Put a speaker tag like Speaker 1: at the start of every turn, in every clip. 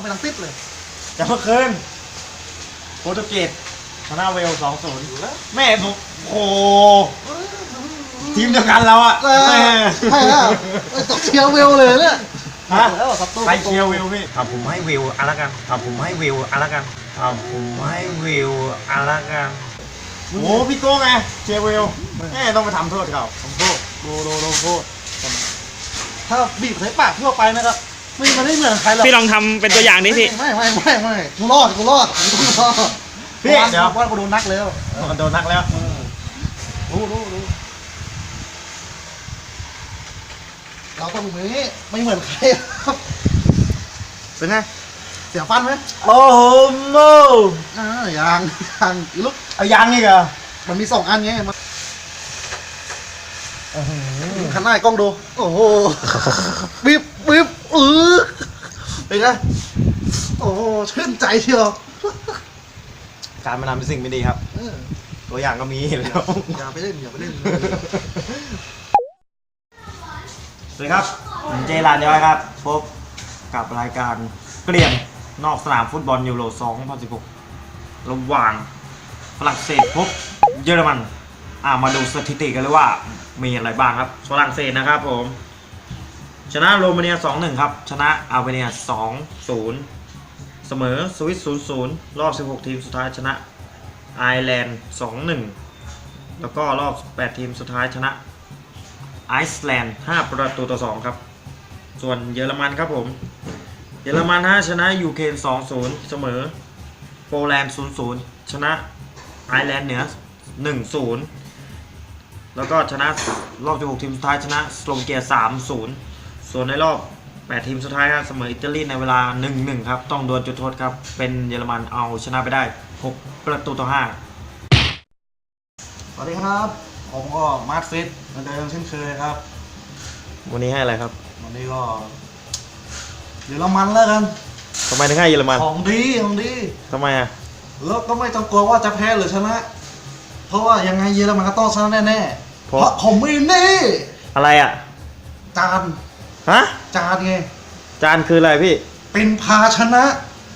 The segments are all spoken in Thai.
Speaker 1: ไปทั้งติดเลย
Speaker 2: แต่เมื่อคืนโปรตุเกสชนะเวล 2-0 แม่ผมโอ้ทีมเดียวกันเราอะ
Speaker 1: ใช่แล้วตกเชียร์เวลเลยเนี่ย
Speaker 2: ฮะ
Speaker 1: แล้วครับตัว
Speaker 2: ใครเชียร์เวลพี่ผมให้เวลอะไรกันผมให้เวลอะไรกันผมให้เวลอะไรกันโอ้พี่โก้ไงเชียร์เวลแม่ต้องไปทำโทษเขา
Speaker 1: ทำโทษโดนโทษถ้าบีบใส่ปากทั่วไปนะครับมันไม่เหมือนใครหรอก
Speaker 3: พี่ลองทำเป็นตัวอย่างดิพี่
Speaker 1: ไม่กูรอดพี่เดี๋ยวว่ากูโดนนักแล้ว
Speaker 2: โดนนักแล้ว
Speaker 1: รู้เราต้องนี้ไม่เหมือนใครเป็นไงเสียฟันไหม
Speaker 2: โอ้โหโม่
Speaker 1: ยางอีลูก
Speaker 2: เอายางนี่เหรอ
Speaker 1: มันมี2 อันไงมันขันหน้ากล้องดูโอ้โหบิ๊บเป็นไงโอ้โหชื่นใจเชียว
Speaker 2: การมาทำเป็นสิ่งไม่ดีครับตัวอย่างก็มีแล้ว
Speaker 1: อย่าไปเล่น
Speaker 2: สวัสดีครับผมเจรานย้อยครับพบกับรายการเกลี่ยงนอกสนามฟุตบอลยูโร 2016 ระหว่างฝรั่งเศสพบเยอรมันมาดูสถิติกันเลยว่ามีอะไรบ้างครับฝรั่งเศสนะครับผมชนะโรมาเนีย 2-1 ครับชนะอัลเบเนีย 2-0 เสมอสวิต 0-0 รอบ 16 ทีมสุดท้ายชนะไอร์แลนด์ 2-1 แล้วก็รอบ 8 ทีมสุดท้ายชนะไอซ์แลนด์ 5-2 ครับส่วนเยอรมันครับผมเยอรมันชนะยูเครน 2-0 เสมอโปแลนด์ 0-0 ชนะไอร์แลนด์เหนือ 1-0 แล้วก็ชนะรอบ 16 ทีมสุดท้ายชนะสโลวาเกีย 3-0 ส่วนในรอบ 8 ทีมสุดท้ายครับเสมออิตาลีในเวลา 1-1 ครับต้องดวลจุดโทษครับเป็นเยอรมันเอาชนะไปได้ 6-5
Speaker 1: สวัสดีครับผมก็มาร์คฟิตเหมือนเดิมเช่นเคยครับ
Speaker 2: วันนี้ให้อะไรครับ
Speaker 1: วันนี้ก็เยอรมันแล้วกัน
Speaker 2: ทำไมถึงให้เยอรมัน
Speaker 1: ของดี
Speaker 2: ทำไม
Speaker 1: แล้วก็ไม่ต้องกลัวว่าจะแพ้หรือชนะเพราะว่ายังไงเยอรมันก็ต้องชนะแน่ๆเพราะผมมีนี่
Speaker 2: อะไร
Speaker 1: จานจานไง
Speaker 2: จานคืออะไรพี่
Speaker 1: เป็นภาชนะ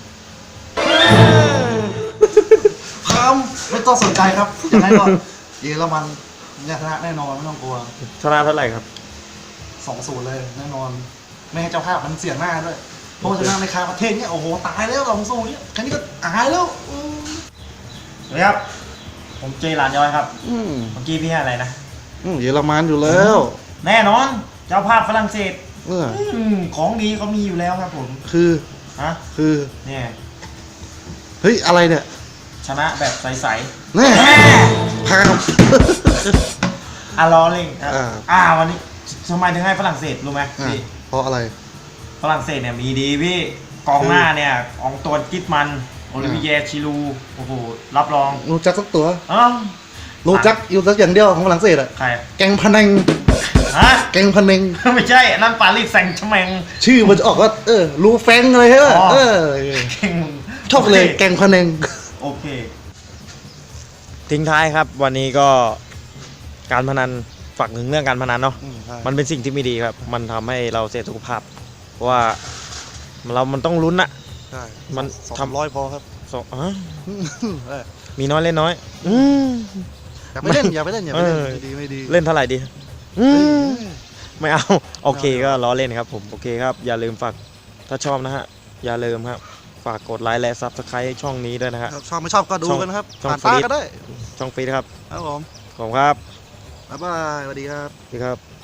Speaker 1: พามไม่ต้องสนใจครับยังไงก็เยอรมันชนะแน่นอนไม่ต้องกลัว
Speaker 2: ชนะเท่าไหร่ครับ
Speaker 1: 2-0 เลยแน่นอนไม่ให้เจ้าภาพมันเสียหน้าด้วยเพราะชนะในคาประเทศเนี่ยโอ้โหตายแล้ว2-0เนี่ยแค่นี้ก็ตายแล้ว
Speaker 2: สวัสดีครับผมเจรานย้อยครับเมื่อกี้พี่ให้อะไรนะ
Speaker 1: เยอรมันอยู่แล้ว
Speaker 2: แน่นอนเจ้าภาพฝรั่งเศสของดีเขามีอยู่แล้วครับผม
Speaker 1: คือ
Speaker 2: เนี่ย
Speaker 1: เฮ้ยอะไรเนี่ย
Speaker 2: ชนะแบบใสๆ
Speaker 1: แน่พาม
Speaker 2: ล้อเล่นวันนี้ทำไมถึงให้ฝรั่งเศสรู้ไหมพี่
Speaker 1: เพราะอะไร
Speaker 2: ฝรั่งเศสเนี่ยมีดีพี่กองหน้าเนี่ยของตัวกิตมันโอลิเวียชิลูโอ้โหรับรอง
Speaker 1: รู้จักสักตัวรู้จักอยู่สักอย่างเดียวของฝรั่งเศสใครแกงพะเนงแกงพะเนง
Speaker 2: ไม่ใช่นั่นปารีสแซงต์แชร์แมง
Speaker 1: ชื่อมันจะออกว่ารูแฟงอะไรใช่ป่ะชอบเลยแกงพะเนง
Speaker 2: โอเคทิ้งท้ายครับวันนี้ก็การพนันฝากถึงเรื่องการพนันเนาะมันเป็นสิ่งที่ไม่ดีครับมันทำให้เราเสียสุขภาพเพราะว่ามันต้องลุ้นอะ
Speaker 1: มัน200พอครับ
Speaker 2: มีน้อยเล่นน้อย
Speaker 1: อย่าไปเล่นไม่ดี
Speaker 2: เล่นเท่าไหร่ดีไม่เอาโอเคก็ล้อเล่นครับผมโอเคครับอย่าลืมฝากถ้าชอบนะฮะอย่าลืมครับฝากกดไลค์และซับสไครต์ช่องนี้ด้วยนะฮะ
Speaker 1: ชอบไม่ชอบก็ดูกันนะครับ
Speaker 2: ช่องฟรีก็ได้ช่องฟรีครับ
Speaker 1: ครับผม
Speaker 2: ขอบคุณครับ
Speaker 1: บ๊ายบายสวัสดีครับ
Speaker 2: สวัสดีครับ